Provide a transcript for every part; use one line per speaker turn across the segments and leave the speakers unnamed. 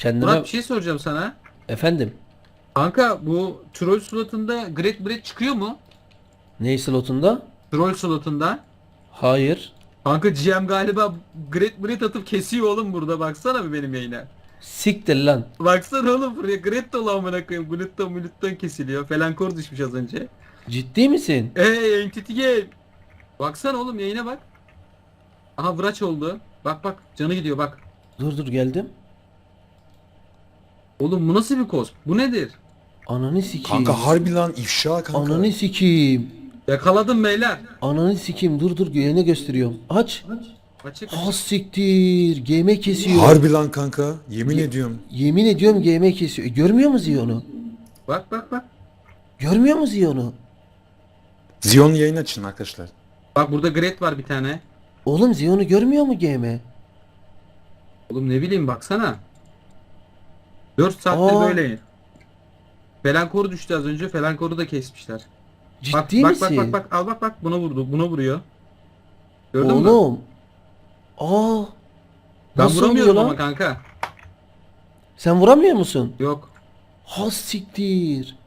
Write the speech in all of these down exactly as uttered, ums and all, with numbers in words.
Murat
Kendime
bir şey soracağım sana.
efendim
Kanka bu troll slotunda Great Bread çıkıyor mu?
ney slotunda?
Troll slotunda.
Hayır.
Kanka G M galiba Great Bread atıp kesiyor oğlum burada baksana bir benim yayına.
Siktir lan.
Baksana oğlum buraya Great dolu amına koyayım. Glutton mulutton kesiliyor. Felankor düşmüş az önce.
Ciddi misin?
Ey Entity Game. Baksana oğlum yayına bak. Aha Vraç oldu. Bak bak canı gidiyor bak.
Dur dur geldim.
Oğlum bu nasıl bir koz? Bu nedir?
Ananı sikeyim.
Kanka harbi lan ifşa kanka.
Ananı sikeyim.
Yakaladım beyler.
Ananı sikeyim. Dur dur yayına gösteriyorum. Aç.
Açık
Ha
açık.
siktir. G M kesiyor.
Harbi lan kanka. Yemin
Ye-
ediyorum.
Yemin ediyorum G M kesiyor. E, görmüyor mu Ziyon'u?
Bak bak bak.
Görmüyor mu Ziyon'u?
Zion yayın açın arkadaşlar.
Bak burada Great var bir tane.
Oğlum Ziyon'u görmüyor mu G M?
Oğlum ne bileyim baksana. dört saattir
Aa.
böyle. Felankoru düştü az önce. Felankoru da kesmişler. Bak
Ciddi
bak
misin?
bak bak bak al bak bak buna vurdu. Buna vuruyor. Gördün mü?
Oğlum. Aa.
Ben
Nasıl
vuramıyorum
oluyor
ama
lan?
kanka.
Sen vuramıyor musun?
Yok.
Ha siktir.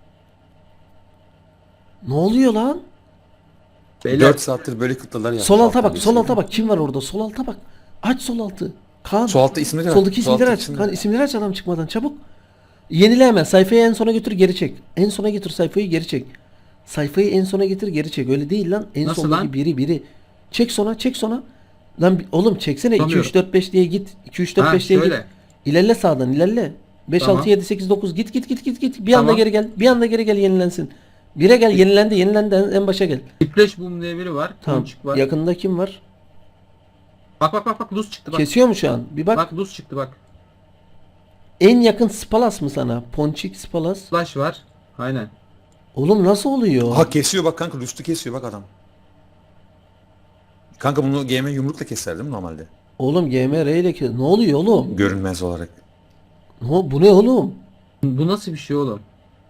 Ne oluyor lan?
Beyler
dört saattir böyle kıtlalar yapmış.
Sol alta
alttan
bak, sol
birisi.
alta bak. Kim var orada? Sol alta bak. Aç sol altı. Kaan.
Sol altta isimleri var.
Soldaki
Sol
isimleri
altta
aç.
isimleri.
Kaan isimleri aç adam çıkmadan çabuk. Yenile hemen. Sayfayı en sona götür geri çek. En sona getir sayfayı geri çek. Sayfayı en sona getir geri çek. Öyle değil lan. En
Nasıl
sondaki
lan?
biri biri. Çek sona çek sona. Lan bi- oğlum çeksene iki
Tutamıyorum.
üç dört beş diye git. iki üç dört
Ha,
beş diye git.
şöyle.
İlerle sağdan ilerle. beş
Tamam.
altı yedi sekiz dokuz git git git git git. Bir anda
Tamam.
geri gel. Bir anda geri gel yenilensin. Bire gel yenilendi yenilendi en en başa gel.
Flash Boom diye biri var.
Tamam.
Ponçik var.
Yakında kim var?
Bak bak bak bak Luz çıktı bak.
Kesiyor mu şu an? Bir bak.
Bak Luz çıktı bak.
En yakın Spalas mı sana? Ponçik Spalas.
Flash var. Aynen.
Oğlum nasıl oluyor?
Ha kesiyor bak kanka. Rüstü kesiyor bak adam. Kanka bunu G M yumrukla keser değil mi normalde?
Oğlum G M R ile kes. Ne oluyor oğlum?
Görünmez olarak.
Ne, o- bu ne oğlum?
Bu nasıl bir şey oğlum?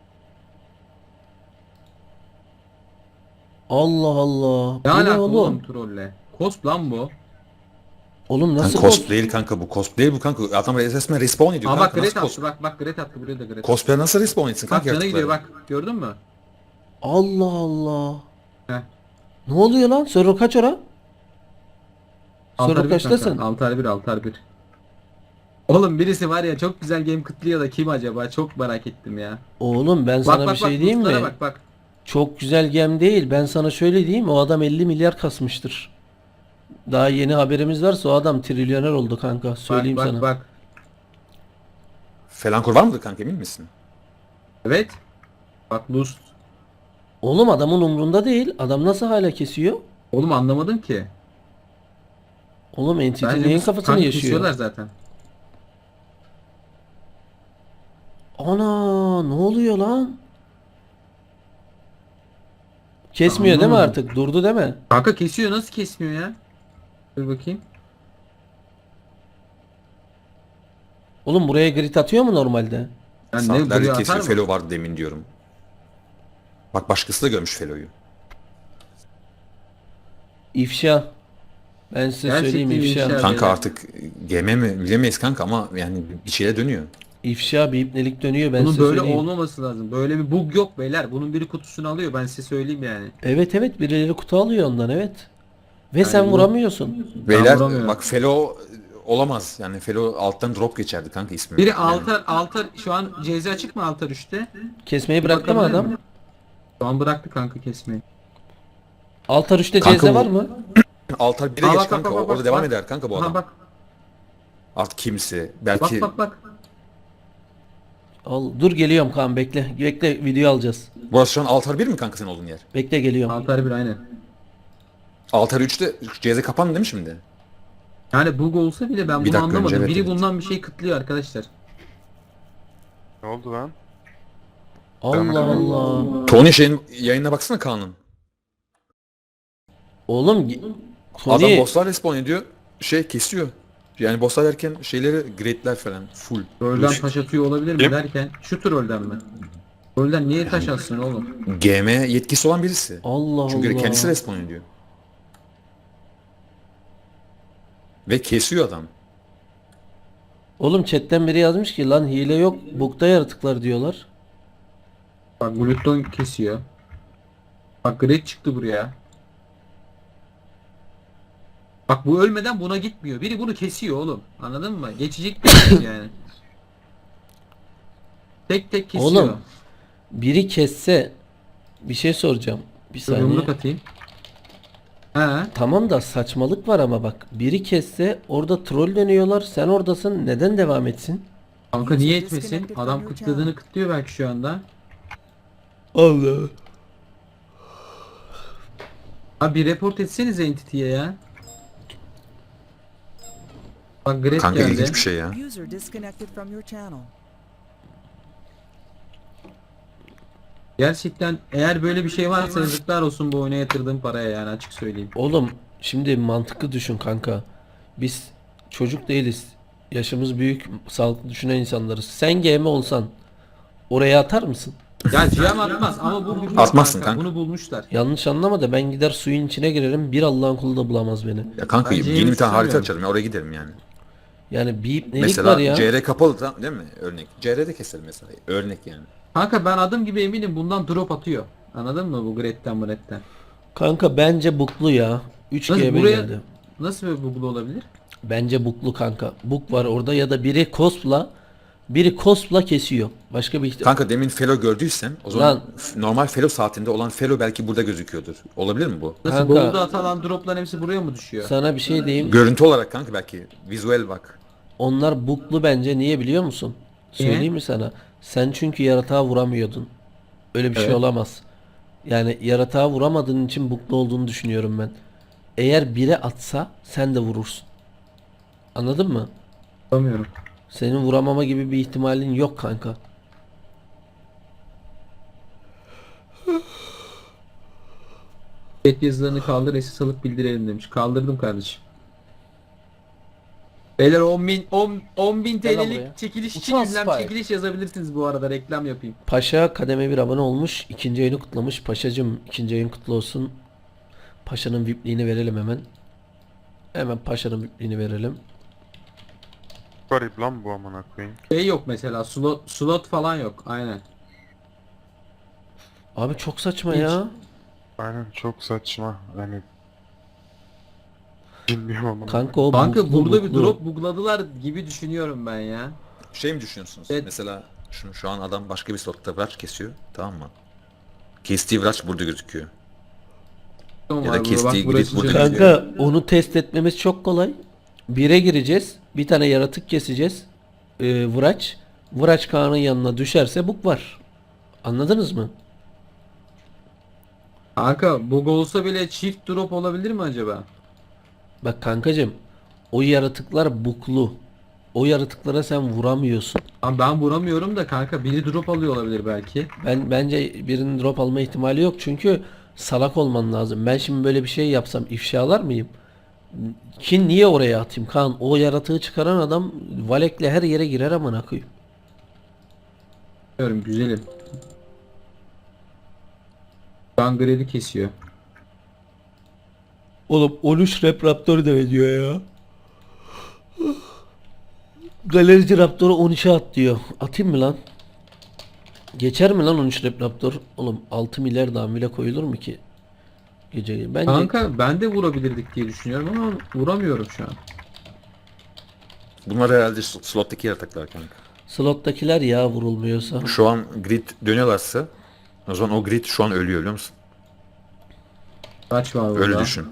Allah Allah.
Ne
Bu ne
alaka
oğlum?
oğlum trolle? Cosp lan bu.
Oğlum
Kanka
nasıl
cosplay
cos-
değil kanka bu. Cosplay değil bu kanka. Adam resmen respawn ediyor
Ama bak
kanka.
Great
Nasıl
attı
cos
bak bak Great attı buraya da Great.
cosplay nasıl respawn etsin
Bak
kanka
canı
yaratıkları?
gidiyor bak. Gördün mü?
Allah Allah.
Heh.
Ne oluyor lan? Server kaç ora?
Altar
Server
bir
kaçtasın?
kanka. Altar bir altar bir. Oğlum birisi var ya çok güzel game kıtlıyor da kim acaba? Çok merak ettim ya.
Oğlum ben
Bak
sana
bak
bir şey
bak
diyeyim
lootlara
mi?
bak bak.
Çok güzel gem değil. Ben sana şöyle diyeyim. O adam elli milyar kasmıştır. Daha yeni haberimiz varsa o adam trilyoner oldu kanka. Söyleyeyim
bak,
sana.
bak bak.
Felankor var mıdır kanka emin misin?
Evet. Bak Luz.
Oğlum adamın umrunda değil. Adam nasıl hala kesiyor?
Oğlum anlamadım ki.
Oğlum Entity
Bence
neyin
bu
kafasını
kanka
yaşıyor?
kesiyorlar zaten.
Ana ne oluyor lan? Kesmiyor değil mi
Anlamadım.
artık? Durdu değil mi?
Kanka kesiyor nasıl kesmiyor ya? Dur bakayım.
Oğlum buraya grit atıyor mu normalde?
Yani ne
Saatlerce
buraya atar
kesiyor.
mı?
Felo vardı demin diyorum. Bak başkası da görmüş Felo'yu.
İfşa. Ben size
Gerçekten
söyleyeyim ifşa.
ifşa.
Kanka
beyler.
artık G M mi bilemeyiz kanka ama yani bir şeye dönüyor.
İfşa bir ipnelik dönüyor ben
Bunun
size
böyle
söyleyeyim.
olmaması lazım. Böyle bir bug yok beyler. Bunun biri kutusunu alıyor. Ben size söyleyeyim yani.
Evet evet birileri kutu alıyor ondan evet. Ve sen
bu-
vuramıyorsun.
Beyler
vuramıyorum.
bak Felo olamaz. Yani Felo alttan drop geçerdi kanka ismi.
Biri
Yani
altar altar şu an C Z açık mı altar üçte?
Kesmeyi bıraktı mı
Bakabilir
adam?
miyim? Şu an bıraktı kanka kesmeyi.
Altar üçte
Kanka
C Z
bu-
var mı?
Altar bire
Aa,
geç
bak, bak,
kanka.
bak, bak,
Orada
bak,
devam
bak.
eder kanka bu
Aha
adam.
bak.
Artık kimse.
Bak
Belki
bak bak.
Al, dur geliyorum Kaan bekle. Bekle video alacağız.
burası şu an Altar bir mi kanka senin olduğun yer?
Bekle geliyorum.
Altar bir aynen.
Altar üçte C Z kapandı değil mi şimdi?
Yani bug olsa bile ben
Bir
bunu
dakika
anlamadım.
önce, evet,
Biri
evet.
bundan bir şey kıtlıyor arkadaşlar.
Ne oldu lan?
Allah Allah.
Tony şeyin yayınına baksana Kaan'ın.
Oğlum gi-
Adam
Tony
bosslar respawn ediyor. Şey kesiyor. Yani bosslar derken şeyleri grade'ler falan full.
Trollden
Böyle
taş atıyor olabilir mi
Kim?
derken şu trollden mi? Trollden niye taş atsın oğlum?
G M yetkisi olan birisi.
Allah
Çünkü
Allah.
kendisi respawn ediyor. Ve kesiyor adam.
Oğlum chatten biri yazmış ki lan hile yok bug'da yaratıklar diyorlar.
Bak Gluton kesiyor. Bak Grid çıktı buraya. Bak bu ölmeden buna gitmiyor. Biri bunu kesiyor oğlum. Anladın mı? Geçecek bir şey yani. Tek tek kesiyor.
Oğlum biri kesse bir şey soracağım. Bir
Dur,
saniye.
yumruk atayım. He.
Tamam da saçmalık var ama bak biri kesse orada troll dönüyorlar sen oradasın neden devam etsin?
Kanka niye etmesin? Adam kıtladığını kıtlıyor belki şu anda.
Allah.
Abi bir report etsenize Entity'ye ya. Bak Gret
Kanka
geldi.
ilginç bir şey ya.
User disconnected from your channel.
Gerçekten eğer böyle bir şey varsa yazıklar olsun bu oyuna yatırdığım paraya yani açık söyleyeyim.
Oğlum şimdi mantıklı düşün kanka. Biz çocuk değiliz. Yaşımız büyük, sağlıklı düşünen insanlarız. Sen G M olsan oraya atar mısın?
Ya G M atmaz ama bu bulmuş
Atmazsın kanka.
Bunu bulmuşlar.
Yanlış anlama da ben gider suyun içine girerim. Bir Allah'ın kulu da bulamaz beni.
Ya kanka
Bence
yeni bir tane harita
istemiyorum.
açarım ya oraya giderim yani.
Yani bir nelik
Mesela
var ya.
C R kapalı tam değil mi? Örnek. C R'de keselim mesela. Örnek yani.
Kanka ben adım gibi eminim bundan drop atıyor. Anladın mı bu Gret'ten Gret'ten?
Kanka bence buklu ya. üç
Nasıl
G B
buraya
geldi.
nasıl bir bugul olabilir?
Bence buklu kanka. Buk var orada ya da biri cospla biri cospla kesiyor. Başka bir ihtimal.
Kanka demin Felo gördüysen o zaman
Lan.
f- normal Felo saatinde olan Felo belki burada gözüküyordur. Olabilir mi bu?
Nasıl
Kanka-
Google'da atılan dropların hepsi buraya mı düşüyor?
Sana bir şey diyeyim.
Görüntü olarak kanka belki. Visual bak.
Onlar buklu bence niye biliyor musun?
Niye?
Söyleyeyim mi sana? Sen çünkü yaratığa vuramıyordun. Öyle bir şey
Evet.
olamaz. Yani yaratığa vuramadığın için buklu olduğunu düşünüyorum ben. Eğer biri atsa sen de vurursun. Anladın mı?
Anlamıyorum.
Senin vuramama gibi bir ihtimalin yok kanka.
Chat yazılarını kaldır esas alıp bildirelim demiş. Kaldırdım kardeşim. Beyler on bin on, on bin
Gel lan
T L'lik
buraya.
çekiliş için
Uçan
ünlem
Spy.
çekiliş yazabilirsiniz bu arada reklam yapayım.
Paşa kademe bir abone olmuş. İkinci ayını kutlamış. Paşacım ikinci ayın kutlu olsun. Paşa'nın V I P'liğini verelim hemen. Hemen Paşa'nın V I P'liğini verelim.
Garip lan bu amına koyayım.
Şey yok mesela slot slot falan yok aynen.
Abi çok saçma
Hiç.
ya.
Aynen çok saçma. Yani bilmiyorum ama.
Kanka o
Kanka
buklu,
burada bir
buklu.
drop bugladılar gibi düşünüyorum ben ya.
Şey mi düşünüyorsunuz?
Evet.
Mesela şu, şu an adam başka bir slotta vraç kesiyor. Tamam mı? Kestiği vraç burada gözüküyor.
Tamam
Ya da
abi, bak
kestiği
burası
grid burada
çözülüyor.
Kanka onu test etmemiz çok kolay. Bire gireceğiz. Bir tane yaratık keseceğiz. Ee, Vıraç. Vıraç Kaan'ın yanına düşerse buk var. Anladınız mı?
Kanka bug olsa bile çift drop olabilir mi acaba?
Bak kankacım. O yaratıklar buklu. O yaratıklara sen vuramıyorsun.
Ama ben vuramıyorum da kanka biri drop alıyor olabilir belki.
Ben bence birinin drop alma ihtimali yok çünkü salak olman lazım. Ben şimdi böyle bir şey yapsam ifşalar mıyım? Ki niye oraya atayım Kaan? O yaratığı çıkaran adam Valek'le her yere girer amına koyayım.
Diyorum güzelim. Gangren'i kesiyor.
Oğlum on üç rap Raptor da diyor ya. Galerici Raptor'u on üçe at diyor. Atayım mı lan? Geçer mi lan on üç rap Raptor? Oğlum altı milyar daha bile koyulur mu ki? Gece bence
Kanka ben de vurabilirdik diye düşünüyorum ama vuramıyorum şu an.
Bunlar herhalde s- slottaki yaratıklar kanka.
slottakiler ya vurulmuyorsa.
Şu an grid dönüyorlarsa o zaman o grid şu an ölüyor biliyor musun?
Kaç var burada?
Öyle düşün.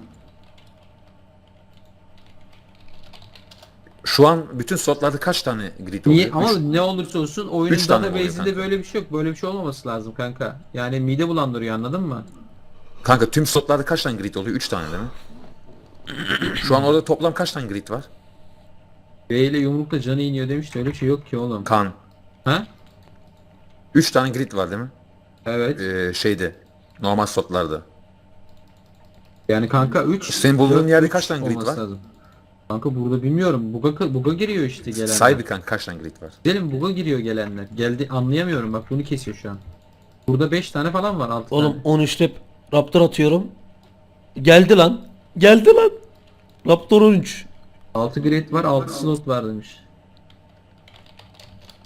Şu an bütün slotlarda kaç tane grid oluyor?
Niye? Ama
Üç.
ne olursa olsun oyunun
Üç tane oluyor
database'inde
kanka.
böyle bir şey yok. Böyle bir şey olmaması lazım kanka. Yani mide bulandırıyor anladın mı?
Kanka tüm slotlarda kaç tane grid oluyor? üç tane değil mi? Şu an orada toplam kaç tane grid var?
B ile yumrukla canı iniyor demişti öyle bir şey yok ki oğlum.
Kan.
Ha?
üç tane grid var değil mi?
Evet.
Ee, şeyde. Normal slotlarda.
Yani kanka üç.
Senin bulunduğun yerde kaç tane grid var?
Kanka burada bilmiyorum. Buga, buga giriyor işte gelenler.
Say bir kanka kaç tane grid var?
Gidelim buga giriyor gelenler. Geldi anlayamıyorum bak bunu kesiyor şu an. Burada beş tane falan var altı
Oğlum
tane.
on üç rap Raptor atıyorum. Geldi lan. Geldi lan. Raptor on üç.
altı grid var altı slot var demiş.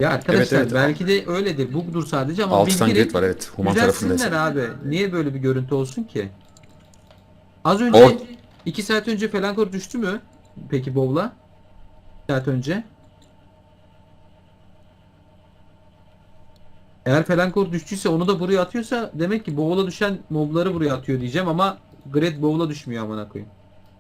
Ya arkadaşlar
Evet, evet.
belki de öyledir. Bug'dur sadece ama
altı tane
bildirin.
grid var evet. Human
Düzelsinler
tarafındaysa.
abi. Niye böyle bir görüntü olsun ki? Az önce iki saat önce Felankor düştü mü? Peki Bowl'a? iki saat önce. Eğer Felankor düştüyse onu da buraya atıyorsa demek ki Bowl'a düşen mobları buraya atıyor diyeceğim ama Grid Bowl'a düşmüyor amına koyayım.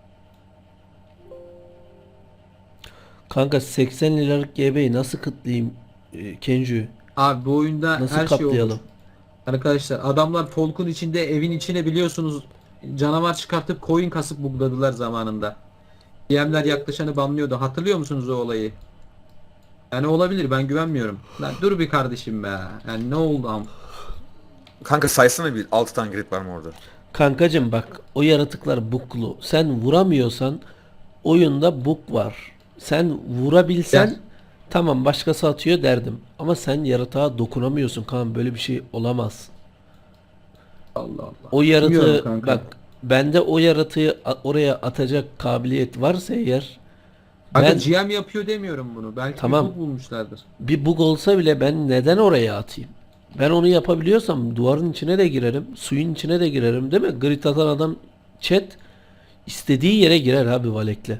Kanka seksen liralık G B'yi nasıl kıtlayayım e, Kenju?
Abi bu oyunda
Nasıl
her şey olur.
katlayalım?
Arkadaşlar adamlar Folk'un içinde evin içine biliyorsunuz canavar çıkartıp coin kasıp bugladılar zamanında. D M'ler yaklaşanı banlıyordu. Hatırlıyor musunuz o olayı? Yani olabilir, ben güvenmiyorum. Lan dur bir kardeşim be. Yani ne oldu am?
Kanka saysana bir altı tane grid var mı orada?
Kankacım bak, o yaratıklar buklu. Sen vuramıyorsan oyunda bug var. Sen vurabilsen
Ya.
tamam, başkası atıyor derdim. Ama sen yaratığa dokunamıyorsun Kaan, böyle bir şey olamaz.
Allah Allah.
O
Bilmiyorum
yaratığı
kanka.
bak, bende o yaratığı a- oraya atacak kabiliyet varsa eğer,
Kanka
ben
G M yapıyor demiyorum bunu. Belki
Tamam.
bir bug bulmuşlardır.
bir bug olsa bile ben neden oraya atayım? Ben onu yapabiliyorsam duvarın içine de girerim, suyun içine de girerim, değil mi? Grit atan adam chat istediği yere girer abi Valek'le.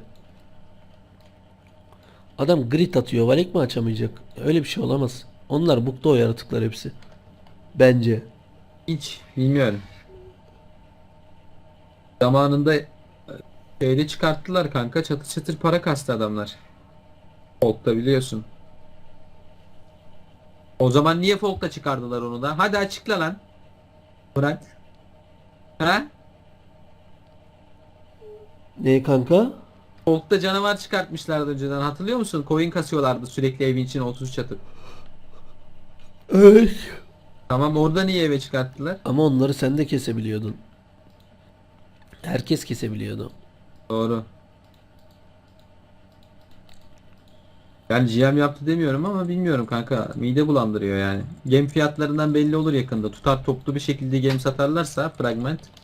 Adam grit atıyor, Valek mi açamayacak? Öyle bir şey olamaz. Onlar bug'da o yaratıklar hepsi. Bence.
Hiç bilmiyorum. Zamanında e, şeyde çıkarttılar kanka. Çatır çatır para kastı adamlar. Folk'ta biliyorsun. O zaman niye Folk'ta çıkardılar onu da? Hadi açıkla lan. Bırak. Ha?
Ne kanka?
Folk'ta canavar çıkartmışlardı önceden. Hatırlıyor musun? Coin kasıyorlardı sürekli evin içine otuz çatır.
Evet.
Tamam, orada niye eve çıkarttılar?
Ama onları sen de kesebiliyordun. Herkes kesebiliyordu.
Doğru. Ben G M yaptı demiyorum ama bilmiyorum kanka. Mide bulandırıyor yani. Gem fiyatlarından belli olur yakında. Tutar toplu bir şekilde gem satarlarsa fragment.